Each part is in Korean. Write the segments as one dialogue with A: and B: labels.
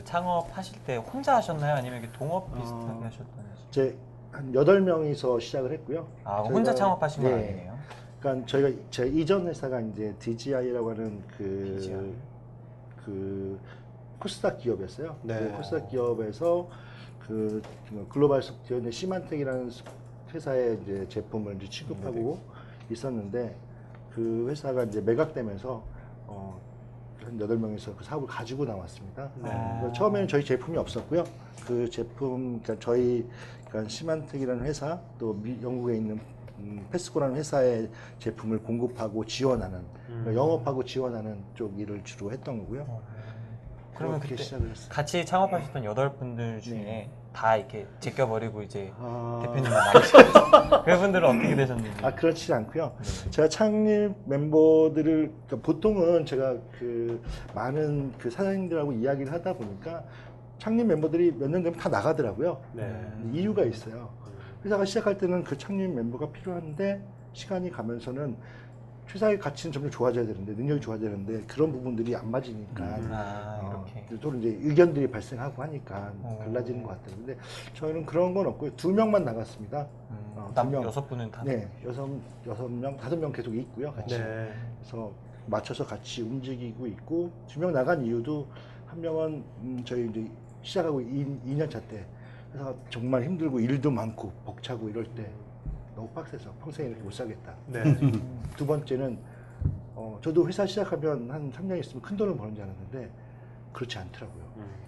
A: 창업하실 때 혼자 하셨나요? 아니면 이렇게 동업 비슷하게 하셨던지?
B: 이제 한 8명이서 시작을 했고요.
A: 아, 혼자 창업하신 건
B: 네.
A: 아니네요.
B: 그러니까 저희가 제 이전 회사가 이제 DGI라고 하는
A: DGI.
B: 그 코스닥 기업이었어요.
C: 네.
B: 그 코스닥 기업에서 그 글로벌 소프트웨어 시만텍이라는 회사의 이제 제품을 이제 취급하고 있었는데 그 회사가 이제 매각되면서 한 8명이서 그 사업을 가지고 나왔습니다. 그러니까 처음에는 저희 제품이 없었고요. 그 제품, 그러니까 저희 그러니까 시만텍이라는 회사 또 영국에 있는 패스코라는 회사의 제품을 공급하고 지원하는 그러니까 영업하고 지원하는 쪽 일을 주로 했던 거고요.
A: 그러면
B: 그렇게
A: 그때
B: 시작을 했어요.
A: 같이 창업하셨던 8분들 중에
B: 네.
A: 다 이렇게 제껴버리고 이제
B: 아,
A: 대표님만 남으셨어요. 그분들은 어떻게 되셨는지?
B: 그렇지 않고요.
A: 네.
B: 제가 창립 멤버들을 그러니까 보통은 제가 그 많은 그 사장님들하고 이야기를 하다 보니까 창립 멤버들이 몇 년 되면 다 나가더라고요.
C: 네.
B: 이유가 있어요. 회사가 시작할 때는 그 창립 멤버가 필요한데 시간이 가면서는 회사의 가치는 점점 좋아져야 되는데 능력이 좋아져야 되는데 그런 부분들이 안 맞으니까
A: 이렇게.
B: 또 이제 의견들이 발생하고 하니까 갈라지는 것 같아요. 근데 저희는 그런 건 없고요. 2명만 나갔습니다.
A: 남
B: 2명.
A: 6분은 다.
B: 네, 6명, 5명 계속 있고요, 같이.
C: 네.
B: 그래서 맞춰서 같이 움직이고 있고 2명 나간 이유도 한 명은 저희 이제 시작하고 2년 차 때 회사가 정말 힘들고 일도 많고 벅차고 이럴 때 너무 빡세서 평생 이렇게 못 살겠다.
C: 네.
B: 두 번째는 저도 회사 시작하면 한 3년 있으면 큰 돈을 버는 줄 알았는데 그렇지 않더라고요.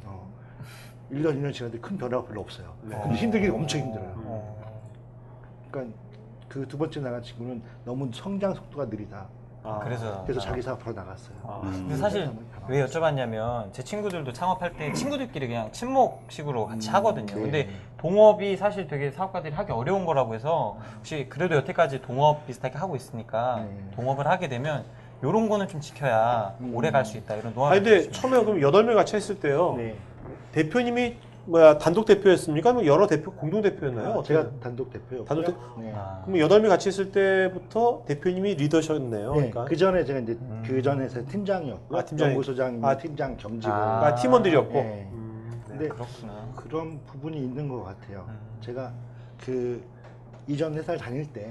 B: 1년, 2년 지났는데 큰 변화가 별로 없어요.
C: 네.
B: 근데 힘들긴 엄청 힘들어요. 그러니까 그 두 번째 나간 친구는 너무 성장 속도가 느리다.
A: 그래서
B: 자기 사업으로 나갔어요.
A: 근데 사실 왜 여쭤봤냐면 제 친구들도 창업할 때 친구들끼리 그냥 친목식으로 같이 하거든요.
B: 네.
A: 근데 동업이 사실 되게 사업가들이 하기 어려운 거라고 해서 혹시 그래도 여태까지 동업 비슷하게 하고 있으니까 동업을 하게 되면 이런 거는 좀 지켜야 오래 갈 수 있다 이런 노하우.
C: 근데 처음에 그럼 8명 같이 했을 때요.
B: 네.
C: 대표님이 단독 대표였습니까? 아니면 여러 대표 공동 대표였나요?
B: 제가 단독 대표였고요.
C: 단독 대...
B: 네.
C: 그럼 8명 같이 했을 때부터 대표님이 리더셨네요.
B: 네.
C: 그러니까.
B: 그 전에 제가 이제 그 전에서 팀장이었고
C: 팀장이...
B: 연구소장, 팀장 겸직을
C: 팀원들이었고.
B: 네.
A: 근데 그렇구나.
B: 그런 부분이 있는 것 같아요. 제가 그 이전 회사를 다닐 때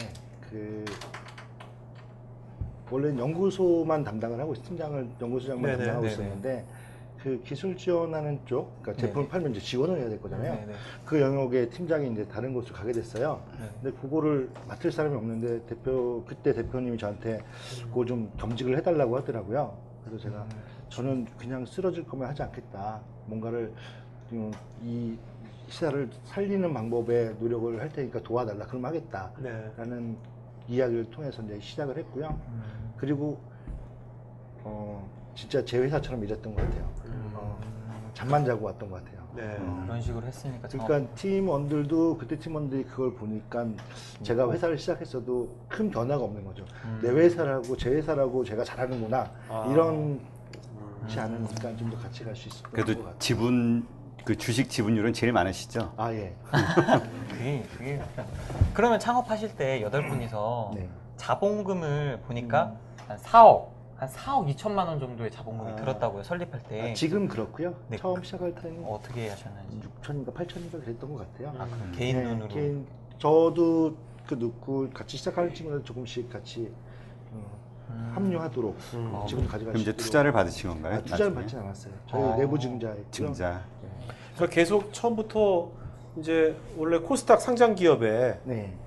B: 원래는 연구소만 담당을 하고 팀장을 연구소장만 담당하고 있었는데 그 기술 지원하는 쪽, 그러니까 제품을 팔면 이제 지원을 해야 될 거잖아요. 그 영역의 팀장이 이제 다른 곳으로 가게 됐어요. 근데 그거를 맡을 사람이 없는데 그때 대표님이 저한테 그거 좀 겸직을 해달라고 하더라고요. 그래서 제가 저는 그냥 쓰러질 거면 하지 않겠다. 뭔가를 이 시사를 살리는 방법에 노력을 할 테니까 도와달라. 그럼 하겠다라는 이야기를 통해서 이제 시작을 했고요. 그리고 진짜 제 회사처럼 일했던 것 같아요. 잠만 자고 왔던 것 같아요.
A: 그런 식으로 했으니까.
B: 그러니까 팀원들도 그때 팀원들이 그걸 보니까 제가 회사를 시작했어도 큰 변화가 없는 거죠. 내 회사라고 제 회사라고 제가 잘하는구나 이런 지 않으니까 좀 더 같이 갈 수 있을 것 같아요.
D: 그래도 지분 그 주식 지분율은 제일 많으시죠?
B: 예.
A: 그게 그러면 창업하실 때 8분이서 자본금을 보니까 한 4억 2천만 원 정도의 자본금이 들었다고요, 설립할 때.
B: 지금 그렇고요.
A: 네.
B: 처음 시작할 때는
A: 어떻게 하셨는지.
B: 6천인가 8천인가 그랬던 것 같아요.
A: 그럼 개인 돈으로.
B: 저도 넣고 같이 시작하는 친구들 조금씩 같이 합류하도록 지분을 가져갈
D: 그럼
B: 수
D: 이제
B: 있도록.
D: 투자를 받으신 건가요?
B: 투자를 받진 않았어요. 저희 내부 증자했고요.
D: 증자.
C: 그러니까 계속 처음부터 이제 원래 코스닥 상장 기업에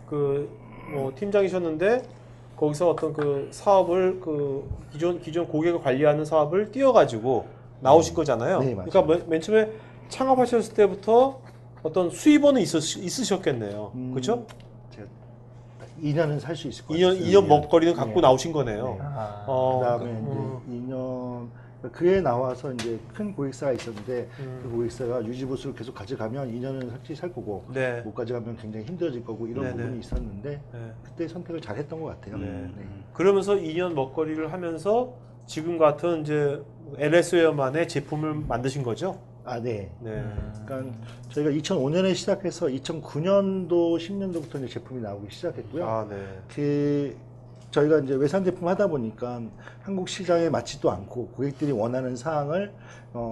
C: 팀장이셨는데 거기서 어떤 그 사업을 기존 고객을 관리하는 사업을 띄워가지고 나오신 거잖아요.
B: 네, 맞아요.
C: 그러니까 맨 처음에 창업하셨을 때부터 어떤 수입원은 있으셨겠네요. 그렇죠?
B: 2년은 살 수 있을 것 같아요.
C: 2년 먹거리는 갖고 나오신 거네요.
B: 그다음에 이제 2년 그에 나와서 이제 큰 고객사가 있었는데 그 고객사가 유지보수를 계속 가져가면 2년은 솔직히 살 거고 못 가져가면 굉장히 힘들어질 거고 이런 부분이 있었는데 그때 선택을 잘 했던 것 같아요.
C: 그러면서 2년 먹거리를 하면서 지금 같은 이제 LS웨어만의 제품을 만드신 거죠?
B: 그러니까 저희가 2005년에 시작해서 2009년도 10년도부터 이제 제품이 나오기 시작했고요. 저희가 이제 외산 제품 하다 보니까 한국 시장에 맞지도 않고 고객들이 원하는 사항을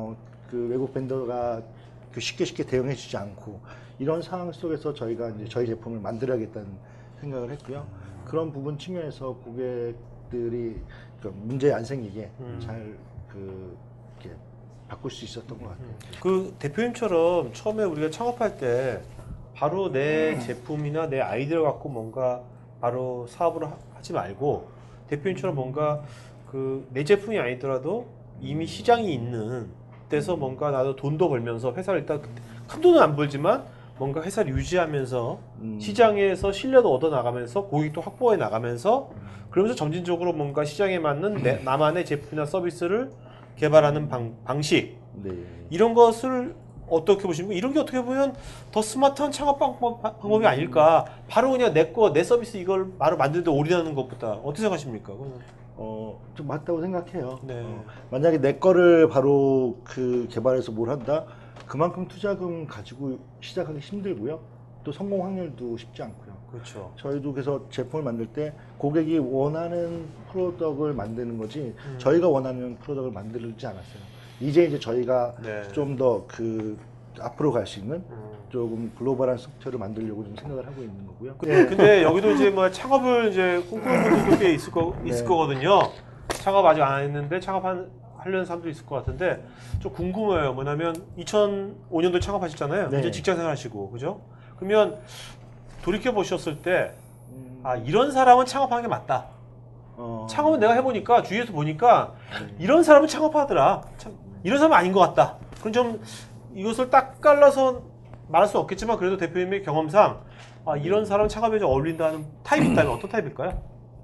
B: 그 외국 벤더가 그 쉽게 대응해주지 않고 이런 상황 속에서 저희가 이제 저희 제품을 만들어야겠다는 생각을 했고요. 그런 부분 측면에서 고객들이 그 문제 안 생기게 잘 이렇게 바꿀 수 있었던 것 같아요.
C: 그 대표님처럼 처음에 우리가 창업할 때 바로 내 제품이나 내 아이디어 갖고 뭔가 바로 사업을 하지 말고 대표님처럼 뭔가 그 내 제품이 아니더라도 이미 시장이 있는 데서 뭔가 나도 돈도 벌면서 회사를 일단 큰 돈은 안 벌지만 뭔가 회사를 유지하면서 시장에서 신뢰도 얻어 나가면서 고객도 확보해 나가면서 그러면서 점진적으로 뭔가 시장에 맞는 나만의 제품이나 서비스를 개발하는 방식
B: 네.
C: 이런 것을 어떻게 보시면 이런 게 어떻게 보면 더 스마트한 창업 방법이 아닐까. 바로 그냥 내 서비스 이걸 바로 만드는데 올인하는 것보다 어떻게 생각하십니까?
B: 좀 맞다고 생각해요.
C: 네.
B: 만약에 내 거를 바로 그 개발해서 뭘 한다? 그만큼 투자금 가지고 시작하기 힘들고요. 또 성공 확률도 쉽지 않고요.
C: 그렇죠.
B: 저희도 그래서 제품을 만들 때 고객이 원하는 프로덕트를 만드는 거지 저희가 원하는 프로덕트를 만들지 않았어요. 이제 저희가
C: 네.
B: 좀 더 앞으로 갈 수 있는 조금 글로벌한 소프트웨어를 만들려고 좀 생각을 하고 있는 거고요.
C: 근데 여기도 이제 뭐 창업을 이제 꿈꾸는 분들도 꽤 있을 거거든요. 창업 아직 안 했는데 하려는 사람도 있을 것 같은데 좀 궁금해요. 뭐냐면 2005년도에 창업하셨잖아요.
B: 네.
C: 이제 직장 생활하시고 그죠? 그러면 돌이켜 보셨을 때 아, 이런 사람은 창업하는 게 맞다. 창업은 내가 해보니까 주위에서 보니까 이런 사람은 창업하더라. 이런 사람은 아닌 것 같다. 그럼 좀 이것을 딱 갈라서 말할 수 없겠지만 그래도 대표님의 경험상 아, 이런 사람은 창업에 좀 어울린다는 타입이 있다면 어떤 타입일까요?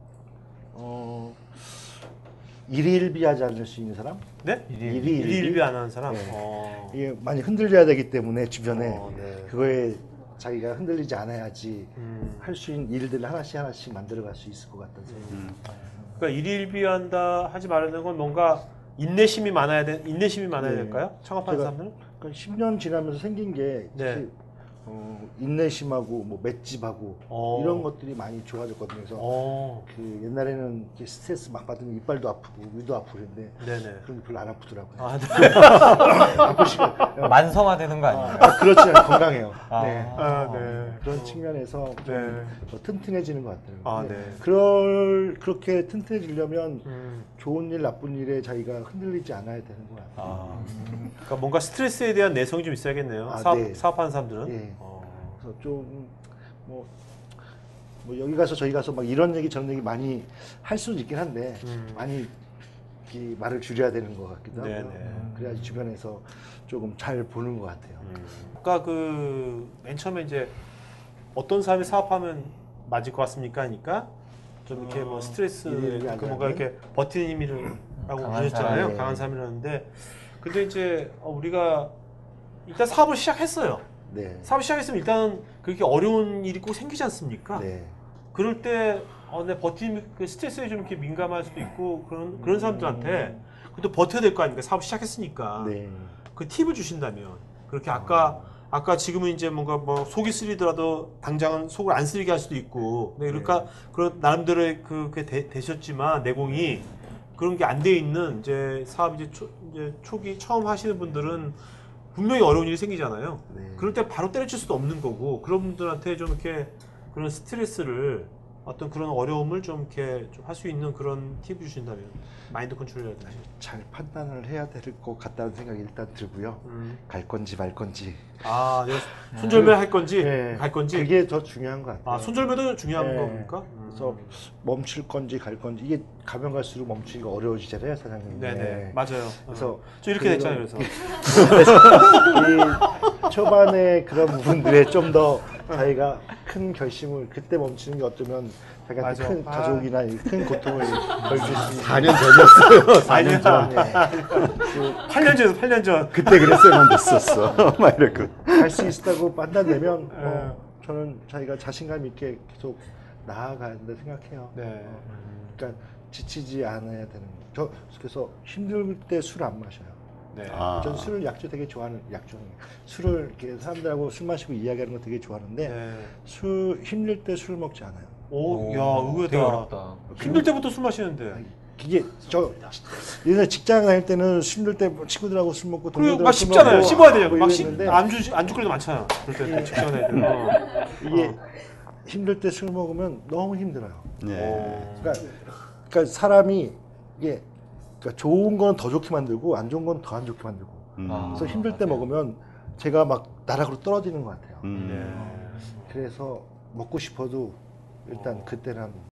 B: 일희일비하지 않을 수 있는 사람?
C: 네?
B: 일희일비?
C: 일일비 안 하는 사람?
B: 네. 이게 많이 흔들려야 되기 때문에 주변에
C: 네.
B: 그거에 자기가 흔들리지 않아야지 할 수 있는 일들을 하나씩 만들어갈 수 있을 것 같다는 생각이
C: 그러니까 일일비한다 하지 말라는 건 뭔가 인내심이 많아야
B: 네.
C: 될까요? 창업하는
B: 제가
C: 사람들은?
B: 그러니까 10년 지나면서 생긴 게
C: 네.
B: 특히 인내심하고 뭐 맷집하고 이런 것들이 많이 좋아졌거든요. 그래서 그 옛날에는 이렇게 스트레스 막 받으면 이빨도 아프고 위도 아프고 그랬는데
C: 네네.
B: 그런 게 별로 안 아프더라고요.
C: 아, 네.
B: 아프시면
A: 만성화되는 거 아니에요?
B: 그렇지 않아요. 건강해요.
A: 아.
B: 네.
C: 아, 네.
B: 그런 측면에서 좀
C: 네.
B: 더 튼튼해지는 것 같아요.
C: 아,
B: 근데
C: 네.
B: 그렇게 튼튼해지려면
C: 음.
B: 좋은 일, 나쁜 일에 자기가 흔들리지 않아야 되는 것 같아요.
C: 아. 그러니까 뭔가 스트레스에 대한 내성이 좀 있어야겠네요.
B: 아, 네.
C: 사업하는 사람들은.
B: 예. 그래서 좀 뭐 여기 가서 저기 가서 막 이런 얘기 저런 얘기 많이 할 수는 있긴 한데 많이 이 말을 줄여야 되는 것 같기도 하고요.
C: 네네.
B: 그래야지 주변에서 조금 잘 보는 것 같아요.
C: 아까 그 맨 처음에 이제 어떤 사람이 사업하면 맞을 것 같습니까? 하니까 좀 이렇게 뭐 스트레스
B: 일일비
C: 그 뭔가
B: 하지
C: 이렇게 버티는 힘이라고
A: 강한
C: 보셨잖아요.
B: 사람.
C: 강한 사람이라는데 근데 이제 우리가 일단 사업을 시작했어요.
B: 네.
C: 사업 시작했으면 일단 그렇게 어려운 일이 꼭 생기지 않습니까?
B: 네.
C: 그럴 때 내 버팀 그 스트레스에 좀 이렇게 민감할 수도 있고 그런 사람들한테 그래도 버텨야 될 거 아닙니까? 사업 시작했으니까
B: 네.
C: 그 팁을 주신다면 그렇게 아까 지금은 이제 뭔가 뭐 속이 쓰리더라도 당장은 속을 안 쓰리게 할 수도 있고 네, 그러니까 그런 나름대로의 그게 되셨지만 내공이 그런 게 안 돼 있는 이제 사업 이제 초기 처음 하시는 분들은 분명히 어려운 일이 생기잖아요.
B: 네.
C: 그럴 때 바로 때려칠 수도 없는 거고 그런 분들한테 좀 이렇게 그런 스트레스를 어떤 그런 어려움을 좀 이렇게 좀 할 수 있는 그런 팁을 주신다면 마인드 컨트롤이라든지
B: 잘 판단을 해야 될 것 같다는 생각이 일단 들고요. 갈 건지 말 건지.
C: 아, 손절매 할 건지
B: 네.
C: 갈 건지
B: 그게 더 중요한 것 같아요.
C: 아 손절매도 중요한
B: 네.
C: 겁니까?
B: 그래서 멈출 건지 갈 건지 이게 가면 갈수록 멈추기가 어려워지잖아요, 사장님.
C: 네네 맞아요.
B: 그래서
C: 저 이렇게
B: 그런-
C: 됐잖아요. 그래서
B: 이 초반에 그런 부분들에 좀 더 자기가 큰 결심을 그때 멈추는 게 어쩌면 자기한테
C: 맞아.
B: 큰 가족이나 큰 고통을 걸릴 수 있는
D: 4년 전이었어요. 4년 전.
C: 8년 전에서 8년 전.
D: 그때 그랬어야만 됐었어. 막 이러고.
B: 갈 수 있다고 판단되면 저는 자기가 자신감 있게 계속 나아가야 된다 생각해요.
C: 네.
B: 그러니까 지치지 않아야 되는 거. 그래서 힘들 때 술 안 마셔요.
C: 네.
D: 아.
B: 저는 술을 약주 되게 좋아하는 약주는 술을 이렇게 사람들하고 술 마시고 이야기하는 거 되게 좋아하는데
C: 네.
B: 술 힘들 때 술 먹지 않아요.
C: 오, 야,
A: 되게
C: 의외다.
A: 어렵다.
C: 힘들 때부터 술 마시는데.
B: 이게 저 예전에 직장 다닐 때는 힘들 때 친구들하고 술 먹고
C: 그리고
B: 동료들하고
C: 막
B: 술
C: 씹잖아요.
B: 먹고
C: 씹어야 돼요.
B: 뭐
C: 막
B: 이랬는데
C: 안주 끓여도 많잖아요. 그럴 때 직장 애들.
B: 이게 힘들 때 술 먹으면 너무 힘들어요.
D: 네.
B: 그러니까 사람이 이게 그러니까 좋은 건 더 좋게 만들고 안 좋은 건 더 안 좋게 만들고. 그래서 힘들 때 먹으면 제가 막 나락으로 떨어지는 것 같아요. 그래서 먹고 싶어도 일단 그때는